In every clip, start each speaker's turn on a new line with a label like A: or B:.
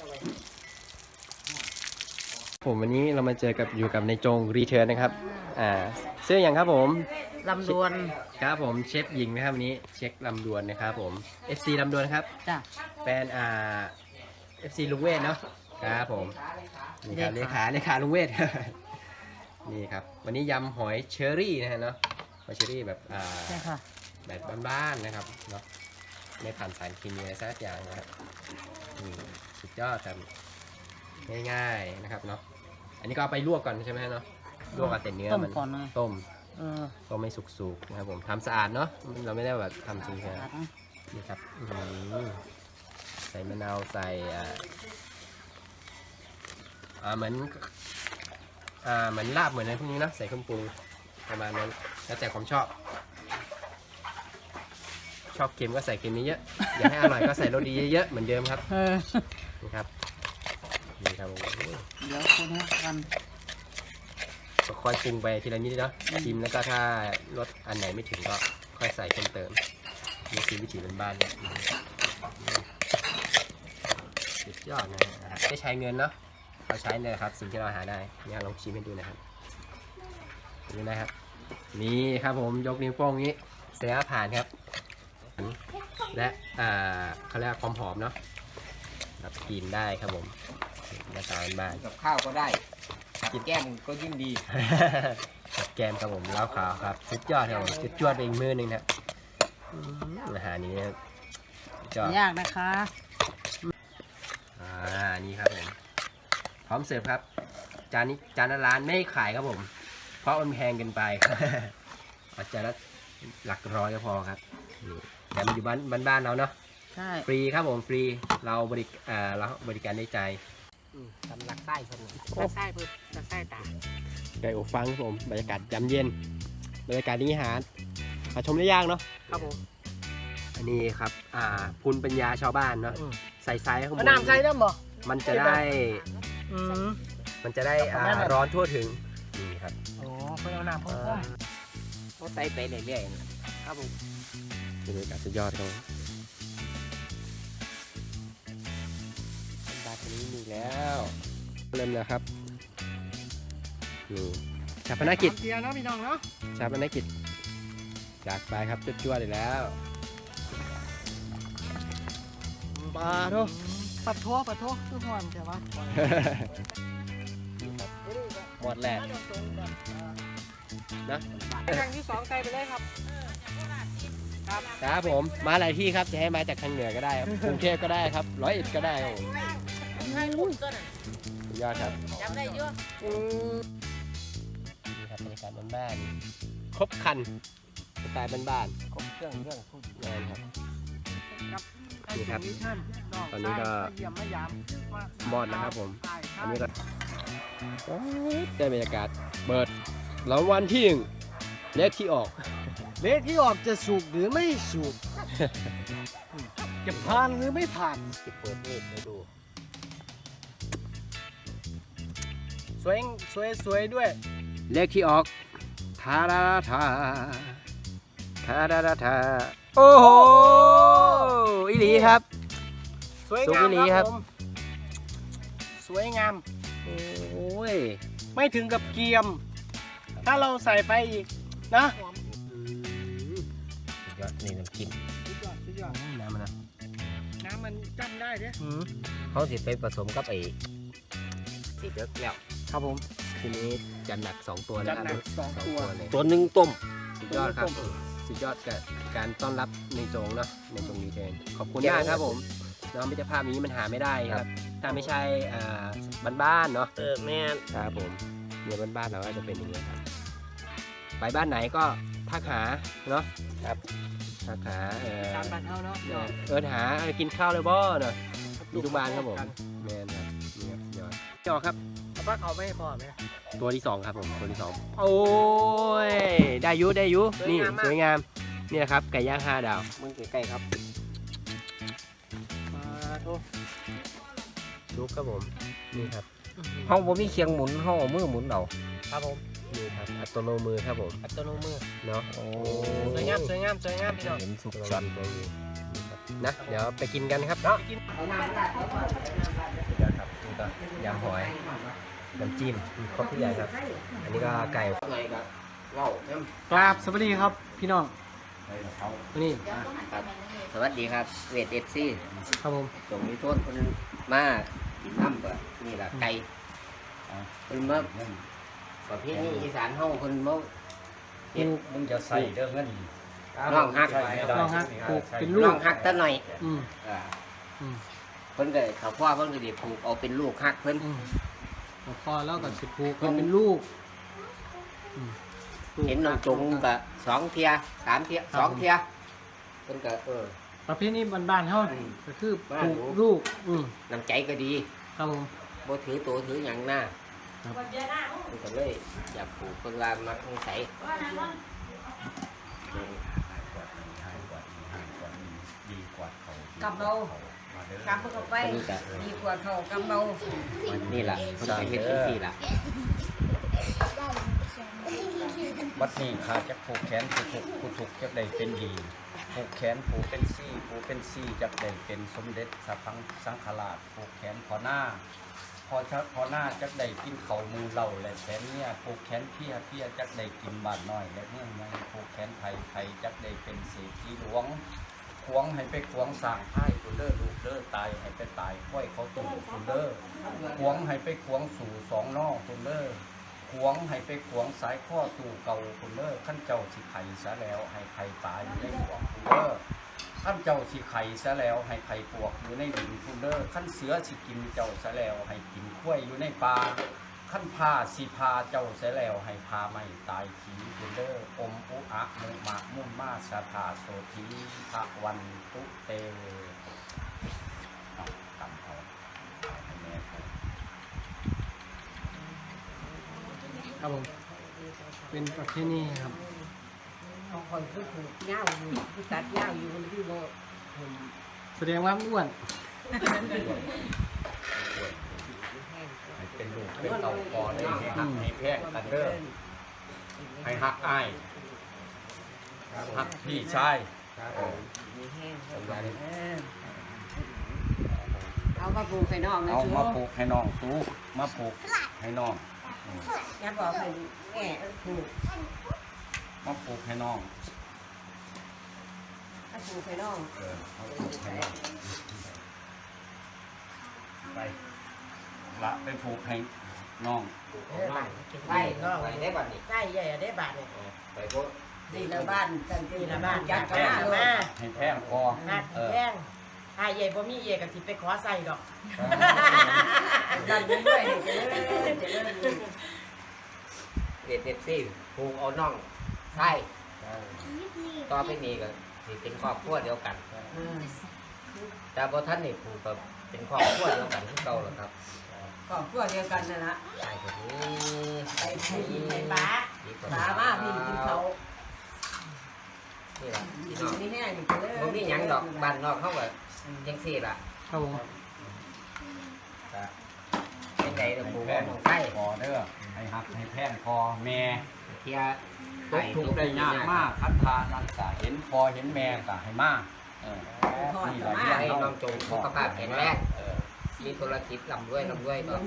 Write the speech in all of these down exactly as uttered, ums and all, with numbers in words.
A: ผมวันนี้เรามาเจอกับอยู่กับในจงรีเทิร์นนะครับอ่าเสื้ออย่างครับผม
B: ลำดวน
A: ครับผมเชฟหญิงนะครับวันนี้เช็คลำดวนนะครับผม เอฟ ซี ลำดวนครับ
B: จ้ะ
A: แฟนอ่า เอฟ ซี ลุงเวทเนาะครับผมนี่ครับเลขาเลขาลุงเวทนี่ครับวันนี้ยำหอยเชอรี่นะฮะเนาะหอยเชอรี่แบบอ่า
B: ใช่ค่ะ
A: แบบบ้านๆนะครับเนาะไม่ผ่านสารเคมีอะไรสักอย่างนะครับสุดยอดครับง่ายๆนะครับเนาะอันนี้ก็เอาไปลวกก่อนใช่ไหมเนาะลวกกับแต่เนื้อมันต้มต้มไม่สุกๆนะครับผมทำสะอาดเนาะเราไม่ได้แบบทำจริงใช่ไหมนี่ครับใส่มะนาวใส่อ่าอ่าเหมือนอ่าเหมือนลาบเหมือนอะไรพวกนี้นะใส่เครื่องปรุงประมาณนั้นแล้วแต่ความชอบชอบเค็มก็ใส่เค็มเยอะๆอยากให้อร่อยก็ใส่รสดีเยอะๆเหมือนเดิมครับนี่ครับนี่ครับ
B: เดี๋ยวคนนี้กัน
A: ก็ค่อยปรุงไปทีละนิดเนาะชิมแล้วก็ถ้ารสอันไหนไม่ถึงก็ค่อยใส่เพิ่มเติมนี่คือวิถีบ้านๆเนี่ยสุดยอดนะฮะไม่ใช้เงินเนาะเราใช้เนี่ยครับสิ่งที่เราหาได้เนี่ยลองชิมให้ดูนะครับดูนะครับนี่ครับผมยกนิ้วโป้งนี้เสียผ่านครับและอ่าเขาเรียกความหอมเนาะแบบกินได้ครับผมหน้าตาบ้าน
C: กับข้าวก็ได้กินแก้มก็ยิ่งดี
A: กับแกมครับผมเล้าขาวครับสุดยอดครับผมจุดจวดเองมือหนึ่งนะอาหารนี้จอด
B: ยากนะคะ
A: อ่านี่ครับผมพร้อมเสิร์ฟครับจานนี้จานร้านไม่ขายครับผมเพราะมันแพงเกินไปอาจารย์ละหลักร้อยก็พอครับแต่มันอยู่บ้านบ้านเราเนาะ
B: ใช่
A: ฟรีครับผมฟรีเราบริอ่าเราบริการได้ใจ
C: ทำหลักไส้คนหลักไส้เพื่อหลักไส้ตา
A: ไก่อบฟังครับผมบรรยากาศยามเย็นบรรยากาศนี้หาหาชมได้ยากเนาะ
C: ครับผม
A: อันนี้ครับอ่าภูมิปัญญาชาวบ้านเนาะใส่ไซส์ข้างบน
C: น้ำใส่ได้หรอ
A: มันจะได้มันจะได้ร้อนทั่วถึงนี่ครับ
C: โอ้เพื่อเอาน้ำพ่นๆเขาใส่ไปเรื่อยๆครับผม
A: บรรยากาศสุดยอดครับบาร์นี้มีแล้วเริ่มแล้วครับนี่ชาปนกิจ
C: เกียร์เนาะพี่น้องเนาะ
A: ชาปนกิจจากไปครับจุดจวดเลยแล้ว
C: ปลาโถปัดโถปัดโถคือหอนใช่ไหม
A: หมดแหละนะ
C: ครั้งที่สองใส่ไปเลยครับ
A: ครับครับผมมาหลายที่ครับจะให้มาจากทางเหนือก็ได้ครับกรุงเทพก็ได้ครับร้อยเอ็ดก็ได้ครับยอดครับ
B: จำได้เยอะ
A: นี่ครับบรรยากาศบ้านๆครบคันสไตล์บ้าน
C: ๆครบเครื่องเครื่องทุก
A: อย่างครับนี่ครับตอนนี้ก็มอดนะครับผมอันนี้ก็ได้บรรยากาศเปิดรางวัลที่หนึ่งเลขที่ออก
C: เลขที่ออกจะสุกหรือไม่สุกจะผ่านหรือไม่ผ่าน
A: จะเปิดเลขให้ดู
C: สวยสวยสวยด้วย
A: เลขที่ออกทาราทาทาราทาโอ้โหอีหลีครับ
C: สวยงามครับสวยงาม
A: โอ้ย
C: ไม่ถึงกับเกียมถ้าเราใส่ไปอีกนะ
A: ยอดนี่น้ำจิ้มน้ำมันนะ
C: น้ำมันจำได้เด้
A: เขาสิไปผสมกับไอ้สีเลือกแล้ว
C: ครับผม
A: ทีนี้จัดหนักสองตัวแล้วครับ
C: สองตัว
A: เลยตัวหนึ่งต้มสุดยอดครับสุดยอดกับการต้อนรับในจงเนาะในจงดีเทนขอบคุณมากครับผมน้องมิตรภาพนี้มันหาไม่ได้ครับถ้าไม่ใช่บ้านๆเนาะ
C: เออแม่
A: ครับผมเนี่ยบ้านๆเราก็จะเป็นอย่างนี้ครับไปบ้านไหนก็ทักหาเนาะครับทักหาเออ
C: ตามบ้านเขาเนาะ
A: เออหากินข้าวเลยบ่เนาะมีทุกบ้านครับผมแม่ครับนี่ครับยอดจอครับ
C: เอาปลาเขาไม่พอไหม
A: ตัวที่สองครับผมตัวที่สองโอ้ยได้ยุได้ยุนี่สวยงามนี่นะครับไก่ย่างห้าดาว
C: มึงใกล้ๆครับมาโทษ
A: ลุกครับผมนี่ครับ
C: ห้องผมมีเคียงหมุนห้องมือหมุนเดาครับผม
A: นี่ครับอัตโนมือครับผม
C: อัตโนมือ
A: เนาะโอ้
C: สวยงามสวยงามสวยงามพี่น้อง
A: เห็นสุกชันเลยนะเดี๋ยวไปกินกันครับเนาะก็ยำหอยน้ำจิ้มครบทุกอย่างครับ อันนี้ก็ไก่ไก่กับเหล้าก
C: ราบสวัสดีครับพี่น้องวันนี้
D: ครับสวัสดีครับเวทเอฟซี
C: ครับผม
D: ส่งมีโทษคนมาทำแบบนี่แหละไก่คนมาประเภทนี้อีสานห้องคนมาเห็น
E: มึงจะใส่เด้อเงิน
D: น้องฮัก
C: ลองฮะปลูกเป็นลู
D: น้
C: ก
D: องฮักตะหน่อย
C: อืม
D: อ่า
C: อืม
D: เพิ่นก็เขาพ่อเพิ่นก็ไดีปลูกเอาเป็นลูกฮักเพิ่น
C: อืมแล้วพอแล้วก็สิปลูกก็เป็นลูกอืมปลูก
D: เห็นน้องจุงก็สองเทียสามเทียสองเทียเพิ่นก็เออ
C: ประเภทนี้บ้านๆเฮา
D: อืม
C: ก็คือป
D: บ้าน
C: ลูก
D: หนู
C: ลูกอืม
D: น้ำใจก็ดี
C: ครับผม
D: บ่ถือตัวถือหยังหน้า
C: ครับ
D: เพิ่นก็เลยอยากปลูกเพิ่นว่ามักนิสัย
E: ดีกว่าเขา
B: กับเรากำเข้าไป
D: เพิ่นก็
B: ดีกว่าเขากำเรา
D: นี่ล่ะเพิ่นก็เฮ็ดจังซี่ล่ะ
E: วัดนี้ขาจะผูกแขนผู้ถูกผู้ถูกจะได้เป็นดีผูกแขนผูกเป็นซี่ผูกเป็นซี่จะได้เป็นสมเด็จสัพพังสังฆราชผูกแขนพอหน้า พอชักพอหน้าจักได้กินเขามือเหล่าและแขนเนี่ยผูกแขนเพียเพียจักได้กินบาดน้อยและเนื่องในผูกแขนไทยไทยจักได้เป็นเศรษฐีหลวงขวงให้ไปขวงสร้างไพ่คุณเด้อลูกเด้อตายให้ไปตายค่อยเขาตู่คุณเด้อขวงให้ไปขวงสู่สองนอกคุณเด้อขวงให้ไปขวงสายข้อสู่เก่าคุณเด้อขั้นเจ้าสิไข่ซะแล้วให้ไข่ตายอยู่ในขวงคุณเด้อขั้นเจ้าสิไข่ซะแล้วให้ไข่ปวกอยู่ในดินคุณเด้อขั้นเสือสิกินเจ้าซะแล้วให้กินข้วยอยู่ในป่าขั้นพาสิพาเจ้าซะแล้วให้พาไม่ตายขีคุณเด้ออมอุอะมุมะมุมมาสาธาโสธีพระวันตุเตเอาตำเอาเอาให้แม่เขา
C: ครับผมเป็นประเภทนี้ครับ
B: เอาคนคือถูกเง่าอยู่คือตัดเง่าอยู่คนที่โบ
C: แสดงว่าอ้วน
E: ให้เป็นลูกเป็นเต่าก่อนให้หักให้แพงกันเด้อให้หักอ้ายหักพี่ชาย
A: ครับผม
B: มีแห้ง
A: สำคัญ
B: เออเอามาปลูกให้น้องนะ
E: เอา
B: ชู
E: มาปลูกให้น้องสู้มาปลูกให้น้อง
B: อย่าบอกให้แง่ปลูก
E: มาปลูกให้น้อง
B: มาปลูกให้น้อง
E: เออมาปลูกให้น้องไปละไปปลูกให้น้อง
D: ไปไปไปได้บัดนี้
B: ใกล้ใหญ่ได้บาทเนี่ย
D: ไปพวก
B: ดีละบ้านกันดีละบ้านยัดกันมามา
E: ให้แพงพอ
B: หัด
E: เออ
B: แย่งถ้าใหญ่บ่มีเอกสิไปขอใส่ดอกดันเรื่อยๆจะเลื่อนจะเลื่อน
D: เด็ดเด็ดซี่ปลูกเอาน้องใช่ต่อไปนี้ก็สิเป็นครอบครัวเดียวกัน แต่พอท่านนี่ปลูกกับเป็นครอบครัวเดียวกันที่เก่าแล้วครับ
B: ครอบครัวเดียวกันนั่นละ
D: ใช่คนนี้
B: ไปไปกินไปป้า
D: ดีกว่า
B: ป้ามาพี่กินเขา
D: นี่แหละพี่
B: กิ
D: น้อง
B: นนี่แห้งอยู่เลย
D: บ่มีหยังดอกบ้านนอกเขาก็จังซี่ล่ะ
C: ครับผม
D: เป็นไงเด้อปลูก
E: แพ
D: เอา
E: ง
D: น้องไส้
E: พอเด้อให้หักให้แพงพอแม่
D: เทีย
E: ตกทุกข์ได้ยากมากคันทานันกะเห็นพอเห็นแม่กะให้มากเออนี่แหละ
D: อยากให้น้องจงสุขภาพแข็งแรง
E: เออ
D: มีธุรกิจร่ำรวยร่ำรวยต่อไป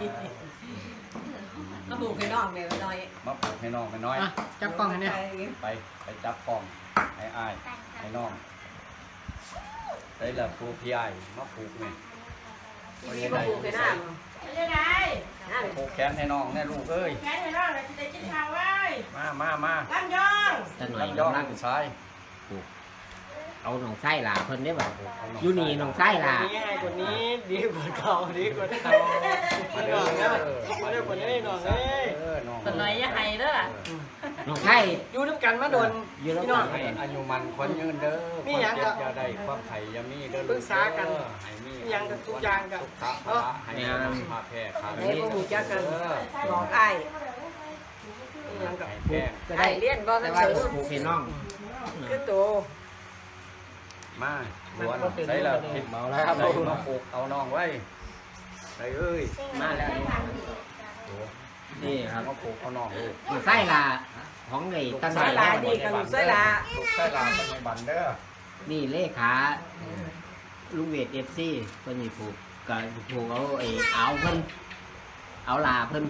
B: ก็ปลูกให้น้องแม่น้อย
E: มาปลูกให้น้องให้น้อย
C: อ่ะจับกล้องให้เนี่ย
E: ไปไปจับกล้องให้อ้ายให้น้องได้ละปลูกพี่อ้ายมาปลูกแม่
B: มีมาปลูกให้น้องไม่ได้ไงนั่น
E: ปลูกแขนให้น้องแน่ลูกเอ้ย
B: แค่ให้น้องเลยจะได้กินข้าวไว้
E: มามามา
B: ลำยอง
D: ท่านหน่อย
E: ลำยอง
D: กำลัง
E: ซ้าย
D: เอาน้องไส้ล่ะเพิ่นได้บ่อยู่นี่น้องไส้ล่ะ
C: นี้ง่ายกว่านี้ดีกว่าเก่าดีกว่าเก่าไม่หน่อยนะไม่ได้กว่านี้หน่อยเลย
E: เออน้อง
B: เป็นไรยังไงเด้อ
D: น้องไส้
C: อยู่น้ำกันมาโดน
D: อยู่แล้ว
C: พี่น้อง
E: ให้อายุมันคนยืนเด้อ
C: มีหยัง
E: ความ
C: ก็
E: เจ็บอย่าได้ความไข่อย่ามีเด้อ
C: ปรึกษากัน
E: เด้อให้มี
C: มีหยังก็ทุกอย่างก็
E: สุขะพละให้มีสุขภาพแพร่ขา
B: ให้พวกหมูจักกัน
E: เออ
B: บอกไอ้
C: ยังกับ
E: ให้แพร่
D: ก็
B: ไอ้
D: ได้
B: เลี้ยนบ่
D: แต่
B: กัน
D: ว่า
B: ซื้อ
D: ปลูกให้น้อง
B: คือโต
E: มาล้วนใส่ละผิดเมาแล้วครับมาปลูกเอาน้องไว้ไอ้เอ้ย
D: มาแล้วนี่ครับ
E: มาปลูกเอาน้องเลย
D: น้องไส้ล่ะของไอ้ตั้ง
B: สายลาดีกับลูกสายลา
E: ปลูกใส่ลาเป็นบันเด้อ
D: นี่เลขาลุงเวท เอฟ ซีเพิ่นนี่ปลูกก็ผูกเอาไอ้เอาเพิ่นเอาลาเพิ่น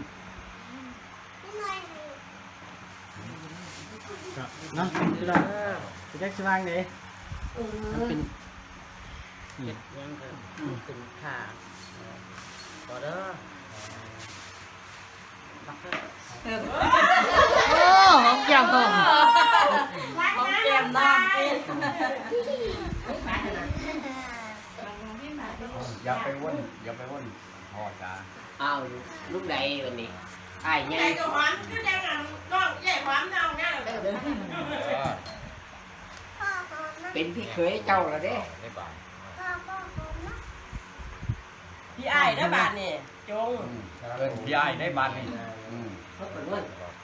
C: เนาะพี่น้องไปแจ็คสว่างเด้
A: มันเป็น
B: เฮ็ดยังก็ขึ้นขาบ่เด้อบักเด้อ
C: โอ้หอมแก้มต้อง
B: ของแก้มน้องกิน
E: อย่าไปว่นอย่าไปว่นพ่อจ้า
D: อ้าวลูกใดวันนี้อ้ายไง
B: ใหญ่ก็หวานคือจังนั้นน้องใหญ่หวานน้องเนี่ย
D: เป็นพี่เคยเจ้าแล้วเด้
E: ได้บาท
B: พี่อ้ายเด้อบาดนี่จง
E: เอิ้นพี่อ้ายได้บาทนี่อืม
D: เขาเป็นเงิน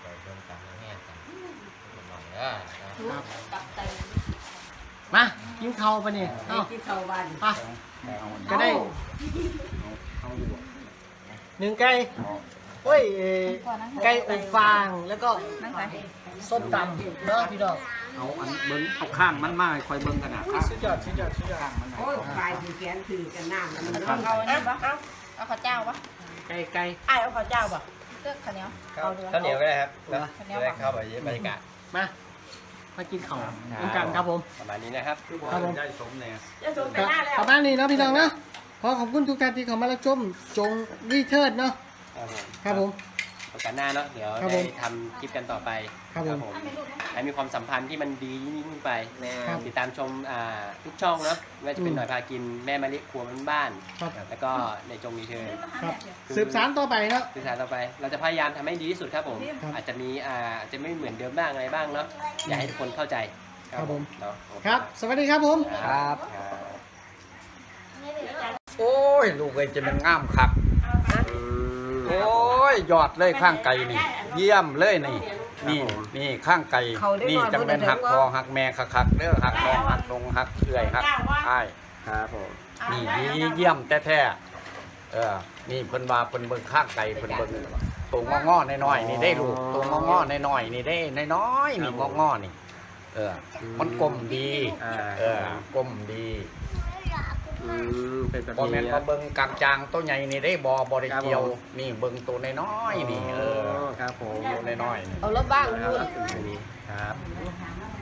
C: มากินข้าวปะนี่
B: ไอ้
C: เอ้า
B: ที่เข้าบ้าน
C: ไปก็ได้
E: เอาอยู่บ่
C: หนึ่งไก่โอ้ยเอ่อไก่อบฟางแล้วก็ส้มตำเนาะพี่น้อง
E: เอาอันเบิ้งเอาข้างมันมาให้คอยเบิ้งกันนะข้าง
C: สุดยอดสุดยอดสุดยอด
E: ข้างมันหน่
B: โอ้
E: อย
B: ยปลายสิแขนถือกันน้ำมัน
E: ข้าง
B: เอาอันนี้บ่เอา
F: เอาข้าวเจ้าปะ
C: ไก่ไก่
B: อ้ายเอาข้าวเจ้าบ่
F: เลือกข้าวเหนียว
A: ข้าวข้าวเหนียวก็ได้ครับแล้วจะได้เข้าไปบรรยากาศ
C: มามากินข้าวร่วมกันครับผม
A: ประมาณนี้นะครับ
C: ครับผม
E: ได้สมแน่
B: จะส่งไปหน้าแล้ว
C: ประมาณนี้เนาะพี่น้องเนาะขอขอบคุณทุกท่านที่เข้ามารับชมจงรีเทิร์ดเนาะ
A: ครับผม
C: ครับผม
A: โอกาสหน้าเนาะเดี๋ยว
C: ครับผ
A: ได้
C: ม
A: ทำคลิปกันต่อไป
C: ครับผม
A: ให้มีความสัมพันธ์ที่มันดียิ่งขึ้นไป
C: ครับ
A: ติดตามชมอ่าทุกช่องเนาะไม่ว่าจะเป็นหน่อยพากินแม่มะลิครัวบ้าน
C: ครับ
A: ๆแล้วก็ในจงมีเธอ
C: ครับสืบสารต่อไปเนาะ
A: สื่อสารต่อไป เราจะพยายามทำให้ดีที่สุดครับผม
C: ครับ
A: อาจจะมีอ่าอาจจะไม่เหมือนเดิมบ้างอะไรบ้างเนาะอยากให้ทุกคนเข้าใจ
C: ครับผม
A: เนาะโอเ
C: ครับ สวัสดีครับผม
A: ครับ
E: โอ้ยลูกเอ้ยจะมันงามคักโอ้ยยอดเลยข้างไก่นี่ เยี่ยมเลยนี่ นี่นี่ข้างไก่นี่จังเป็นหักคอหักแม่คักๆเด้อหักน้องหักลงหักเอื่อยหักอ้าย
A: ครับผม
E: นี่ดีเยี่ยมแท้ๆเออ นี่เพิ่นว่าเพิ่นเบิ่งข้างไก่เพิ่นเบิ่งตัวงอๆน้อยๆนี่ได้ลูกตัวงอๆน้อยๆนี่ได้น้อยๆนี่งอๆนี่ เออ มันกลมดี
A: อ่า
E: เออกลมดี
A: อืมเป็นแบบ
E: บ่
A: นี้
E: แม่น
A: นะ
E: ว่าเบิ่งกลางจางตัวใหญ่นี่ได้บ่บ่ได้เกี่ยว
A: ครับผม
E: นี่เบิ่งตัวน้อยๆนี่ เออ
A: ครับผม
E: ตัวน้อยๆนี่
F: เอารถบ้าง
A: ครับ
F: พูด
A: อันนี้ครับ